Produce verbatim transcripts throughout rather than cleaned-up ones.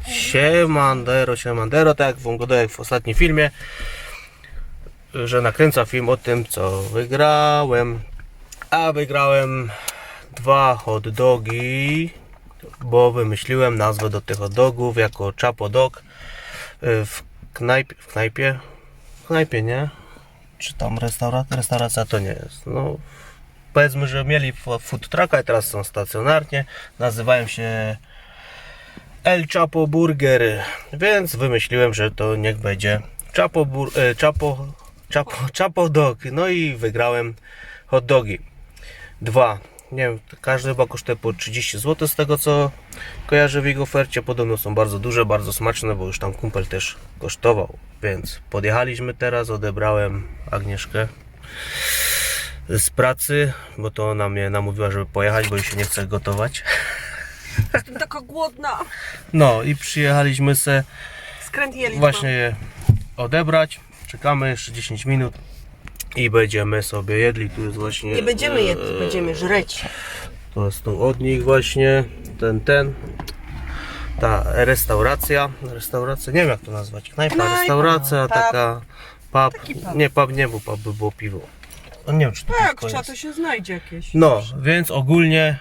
Siemandero, siemandero, tak jak wam gadałem w ostatnim filmie, że nakręcam film o tym, co wygrałem. A wygrałem dwa hot dogi, bo wymyśliłem nazwę do tych hot dogów jako Chapo Dog w knajpie, w knajpie, w knajpie, nie? Czy tam restauracja? Restauracja to nie jest. No, powiedzmy, że mieli food trucka i teraz są stacjonarnie. Nazywają się El Chapo Burger, więc wymyśliłem, że to niech będzie Chapo, bur, e, Chapo, Chapo, Chapo Dog. No i wygrałem hot dogi. Dwa. Nie wiem, każdy chyba kosztuje po trzydzieści złotych z tego co kojarzę w jego ofercie. Podobno są bardzo duże, bardzo smaczne, bo już tam kumpel też kosztował. Więc podjechaliśmy teraz, odebrałem Agnieszkę z pracy, bo to ona mnie namówiła, żeby pojechać, bo jej się nie chce gotować. Jestem taka głodna. No i przyjechaliśmy se Skręt jeli właśnie je odebrać. Czekamy jeszcze dziesięć minut i będziemy sobie jedli. Tu jest właśnie... Nie będziemy jedli, e, będziemy żreć. To jest tu od nich właśnie ten, ten. Ta restauracja. Restauracja, nie wiem jak to nazwać. Knajpa, Knajpa, restauracja, pub. taka... Pub. Taki pub. Nie, pub nie był pub, by było piwo. No, nie wiem czy to Tak, piwko trzeba jest. to się znajdzie jakieś. No, więc ogólnie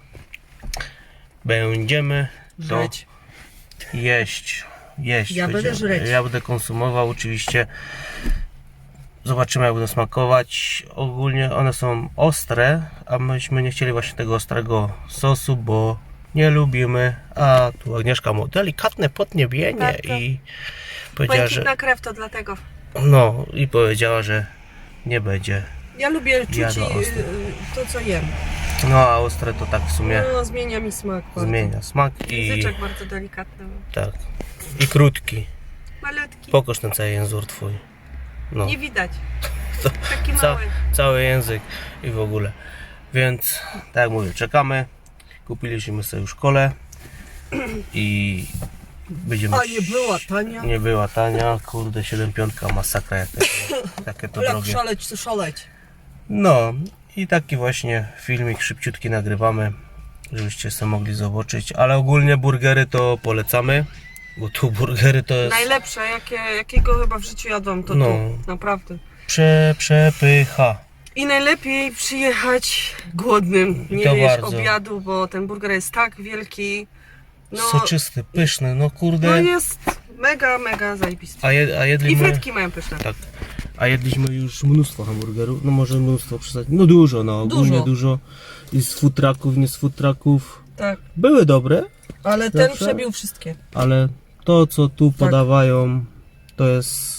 będziemy to Żreć. jeść. Jeść. Ja będę będziemy. żreć. Ja będę konsumował oczywiście. Zobaczymy jak będą smakować. Ogólnie one są ostre, a myśmy nie chcieli właśnie tego ostrego sosu, bo nie lubimy. A tu Agnieszka ma delikatne podniebienie Tak, tak. i powiedziała, że Błękitna krew to dlatego. no i powiedziała, że nie będzie. Ja lubię czuć Jadła i, ostre. y, to co jem. No a ostre to tak w sumie No, zmienia mi smak bardzo. zmienia smak i Języczek bardzo delikatny. tak. I krótki. Malutki. Pokaż ten cały język twój. No. Nie widać. To Taki Ca mały. cały język i w ogóle. Więc tak jak mówię, czekamy. Kupiliśmy sobie już kolę i będziemy. A nie była tania. Nie była tania, kurde, siedem piątka masakra jakie to, jakie to Jak drogie. szaleć, to szaleć. No i taki właśnie filmik szybciutki nagrywamy, żebyście sobie mogli zobaczyć, ale ogólnie burgery to polecamy, bo tu burgery to jest Najlepsze, jakie, jakiego chyba w życiu jadłam, to No. tu. Naprawdę. prze, przepycha. I najlepiej przyjechać głodnym, nie To jeść bardzo. obiadu, bo ten burger jest tak wielki. No, Soczysty, pyszny, no kurde. no jest mega, mega zajebisty. A, jed, a I jedliśmy. frytki mają pyszne. Tak. A jedliśmy już mnóstwo hamburgerów, no może mnóstwo przesadzić. No dużo, no ogólnie Dużo. dużo. I z food trucków, nie z food trucków. Tak, Były dobre, ale ten Zawsze? przebił wszystkie. ale to co tu Tak. podawają to jest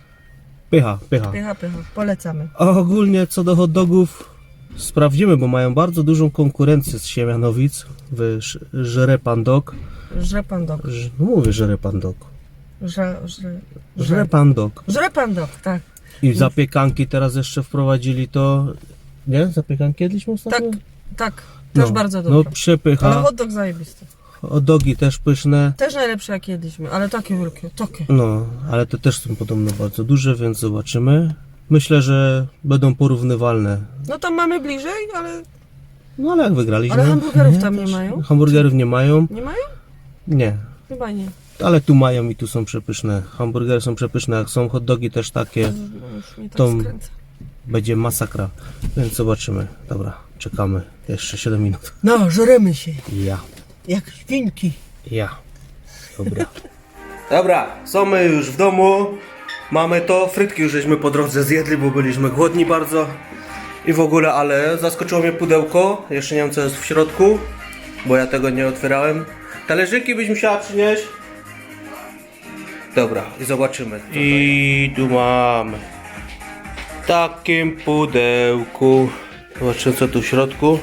pycha, pycha. Pycha, pycha. Polecamy. A ogólnie co do hot dogów sprawdzimy, bo mają bardzo dużą konkurencję z Siemianowic. W Ż- Żre Pan Dog. Żre pan dog. Ż- No mówię Żre Pan Dog. Żre, żre, Żre Pan Dog. żre pan dog, tak. I zapiekanki teraz jeszcze wprowadzili to. Nie? Zapiekanki jedliśmy Tak, ostatnio? tak. Też No, bardzo No dobre. przepycha. Ale hot dog zajebisty. Hot dogi też pyszne. Też najlepsze jak jedliśmy, ale takie wielkie, takie. No, ale te też są podobno bardzo duże, więc zobaczymy. Myślę, że będą porównywalne. No tam mamy bliżej, ale No ale jak wygraliśmy. Ale hamburgerów tam nie mają? Hamburgerów nie mają? nie mają? Nie. Chyba nie. Ale tu mają i tu są przepyszne. Hamburgery są przepyszne, jak są hot dogi też takie. No już mnie tak To- skręca. Będzie masakra. Więc zobaczymy. Dobra, czekamy. Jeszcze siedem minut. No, żremy się. Ja. Jak świnki. Ja. Dobra. Dobra, są my już w domu. Mamy to. Frytki już żeśmy po drodze zjedli, bo byliśmy głodni bardzo. I w ogóle, ale zaskoczyło mnie pudełko. Jeszcze nie wiem co jest w środku, bo ja tego nie otwierałem. Talerzyki byś musiała przynieść. Dobra, i zobaczymy. I tu mamy. W takim pudełku. Zobaczymy co tu w środku.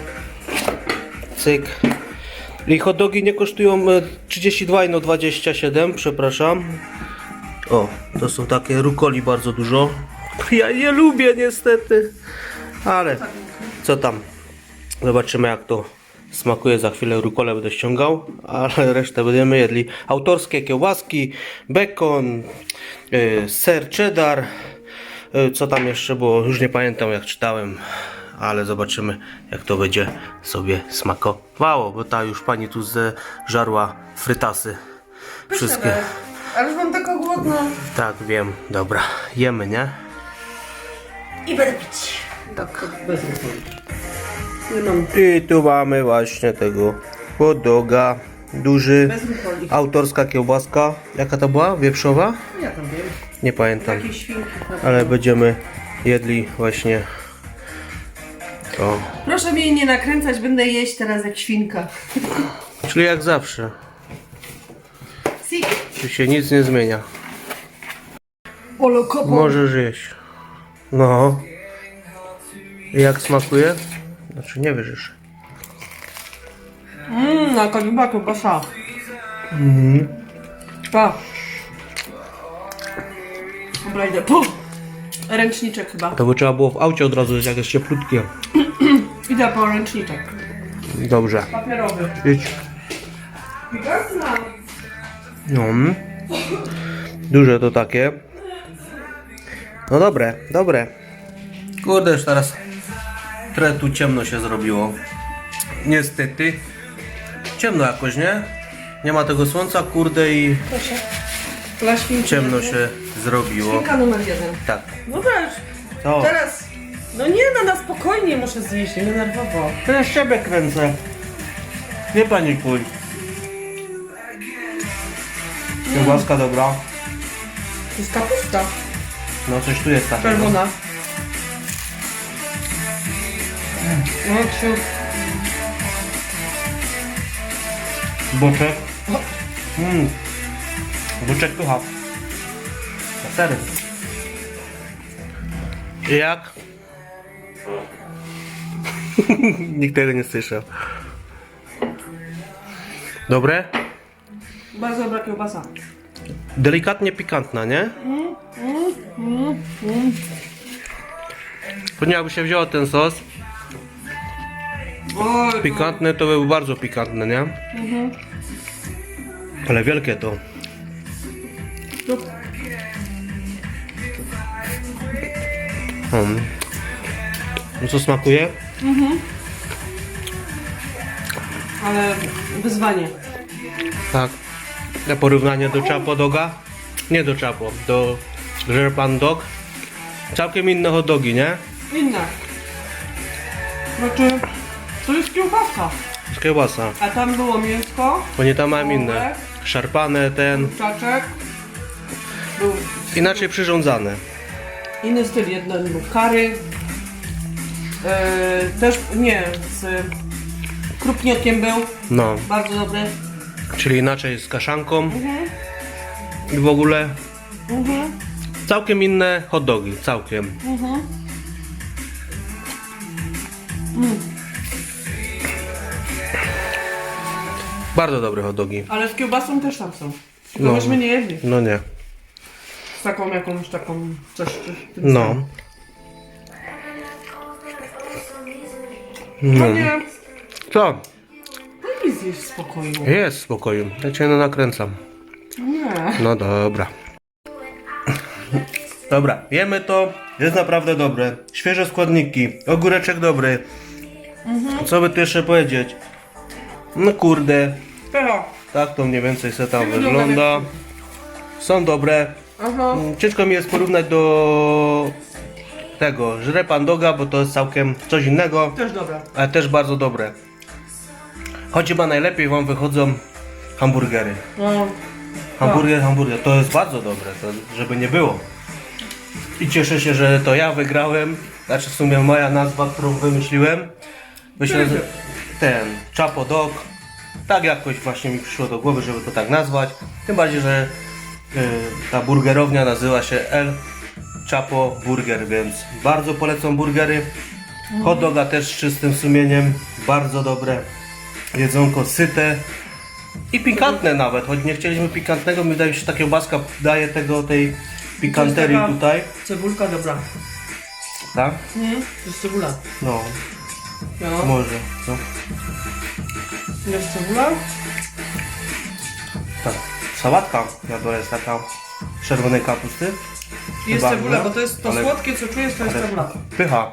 Cyk. I hot dogi nie kosztują e, trzydzieści dwa, no dwadzieścia siedem, przepraszam. O, to są takie rukoli bardzo dużo. Ja nie lubię niestety. Ale co tam? Zobaczymy jak to smakuje. Za chwilę rukolę będę ściągał, ale resztę będziemy jedli. Autorskie kiełbaski, bekon, e, ser cheddar. E, co tam jeszcze było? Już nie pamiętam jak czytałem. Ale zobaczymy jak to będzie sobie smakowało, bo ta już pani tu zeżarła frytasy Wszystkie. Ale już mam taką głodną. Tak, wiem. Dobra. Jemy, nie? I będę pić. Tak. Bez alkoholu. Nie mam. I tu mamy właśnie tego hot doga. Duży. Bez alkoholu. Autorska kiełbaska. Jaka to była? Wieprzowa? Ja tam wiem. Nie pamiętam. Jakieś świnki. Ale będziemy jedli właśnie to. Proszę mnie nie nakręcać, będę jeść teraz jak świnka. Czyli jak zawsze. Si. Tu się nic nie zmienia. Olo kopo. Możesz jeść. No. I jak smakuje? Znaczy nie wiesz jeszcze. Mmm, na koniuba kiełbasa. Mhm. Pa. Dobra, idę. Puh. Ręczniczek chyba. To by trzeba było w aucie od razu, jak jest cieplutkie. Idę po ręczniczek. Dobrze. Papierowy. Idź. Gazna. No. Duże to takie. No dobre, dobre. Kurde, już teraz trochę tu ciemno się zrobiło. Niestety. Ciemno jakoś, nie? Nie ma tego słońca, kurde, i Proszę. Dla świnki. ciemno się zrobiło. Świnka numer jeden. Tak. No weź. To. Teraz. No nie, no na spokojnie muszę zjeść, nie nerwowo. Teraz siebie kręcę. Nie panikuj. Kiełbaska dobra. To jest kapusta. No coś tu jest takiego. Czerwona. No, ciu. Boczek. Mmm. Boczek pycha. Na sery. I jak? Nikt tego nie słyszał. Dobre? Bardzo dobra kiełbasa. Delikatnie pikantna, nie? Pewnie jakby się wzięło ten sos Oj, pikantny, to by był bardzo pikantny, nie? Ale wielkie to. no. Hmm. No co smakuje? Ale wyzwanie. Tak. Na porównanie do Chapo Doga? Nie do Chapo, do Żerpan Dog. Całkiem inne hot dogi, nie? Inne. Znaczy, to jest kiełbaska. Z kiełbasa. A tam było mięsko, Bo nie tam mam inne. Szarpane, ten. czaczek. Był Inaczej przyrządzane. inny styl, jeden był curry. Yy, też, nie, z krupniokiem był. No. Bardzo dobry. Czyli inaczej z kaszanką. I w ogóle Mhm. całkiem inne hot dogi. Całkiem. Mhm. Bardzo dobre hot dogi. Ale z kiełbasą też tam są. Tylko No. myśmy nie jedli. No nie. Z taką jakąś taką coś. coś w tym No. stylu. No no. nie. Co? Lepiej zjeść w spokoju. Jest spokoju. Ja cię no nakręcam. Nie. No dobra. Dobra, jemy to. Jest naprawdę dobre. Świeże składniki. Ogóreczek dobry. Co by tu jeszcze powiedzieć? No kurde. Pero. Tak to mniej więcej se tam Jak wygląda wygląda. Są dobre. Aha. Mm, Ciężko mi jest porównać do tego Żrepan Doga, bo to jest całkiem coś innego, Też dobra. ale też bardzo dobre. Choć chyba najlepiej wam wychodzą hamburgery. No. Hamburger, hamburger, to jest bardzo dobre, to żeby nie było. I cieszę się, że to ja wygrałem. Znaczy w sumie moja nazwa, którą wymyśliłem. Myślę, że ten Chapo Dog. Tak jakoś właśnie mi przyszło do głowy, żeby to tak nazwać. Tym bardziej, że y, ta burgerownia nazywa się El Chapo Burger, więc bardzo polecam burgery. Hot doga też z czystym sumieniem, bardzo dobre. Jedzonko syte i pikantne nawet, choć nie chcieliśmy pikantnego, mi wydaje się, że ta kiełbaska daje tego, tej pikanterii taka- tutaj, Cebulka dobra. tak? Nie? To jest cebula. No, No. może, no, Jest cebula? tak. Sałatka jadła jest taka z czerwonej kapusty. Jest Chyba, cebula, no, bo to jest to ale- słodkie, co czujesz, to jest ale- cebula. Pycha.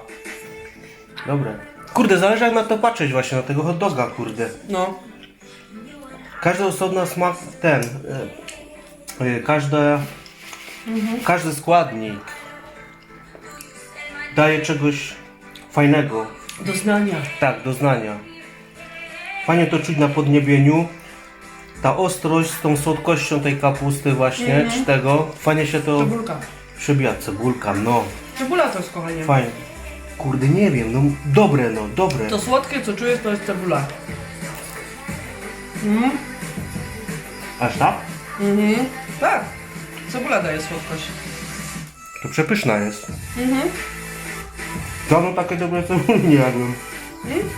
Dobre. Kurde, zależy jak na to patrzeć właśnie, na tego hot doga, kurde. No. Każdy osobno smak ten, y, y, każde, każdy składnik daje czegoś fajnego, Doznania. tak, doznania. Fajnie to czuć na podniebieniu. Ta ostrość z tą słodkością tej kapusty właśnie, czy tego, fajnie się to Cebulka. przebija. Cebulka, no, Cebula to jest, kochanie. fajnie. Kurde, nie wiem, no dobre, no, dobre. To słodkie, co czujesz, to jest cebula. Mhm. Aż tak? Mhm. Tak. Cebula daje słodkość. To przepyszna jest. Mhm. Dawno takie dobre cebuli nie jadłem. Mhm.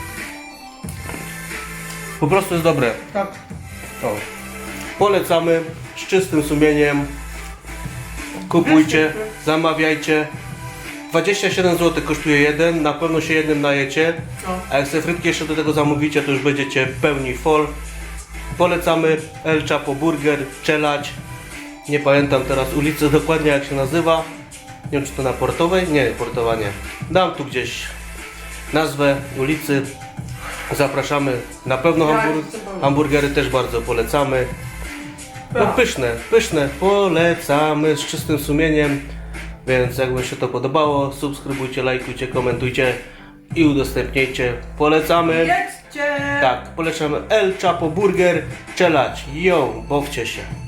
Po prostu jest dobre. Tak. O. Polecamy z czystym sumieniem. Kupujcie, zamawiajcie. dwadzieścia siedem złotych kosztuje jeden, na pewno się jednym najecie. No. A jak sobie frytki jeszcze do tego zamówicie, to już będziecie pełni fol. Polecamy El Chapo Burger, Czelać. Nie pamiętam teraz ulicy dokładnie jak się nazywa. Nie wiem czy to na Portowej? Nie, Portowa nie. Dam tu gdzieś nazwę ulicy. Zapraszamy. Na pewno Tak, hambur zupełnie. hamburgery też bardzo polecamy. No Tak. pyszne, pyszne. Polecamy z czystym sumieniem. Więc jakby się to podobało, subskrybujcie, lajkujcie, komentujcie i udostępniajcie. Polecamy. Jedzcie! Tak, polecamy El Chapo Burger, Czelać. Yo, bawcie się.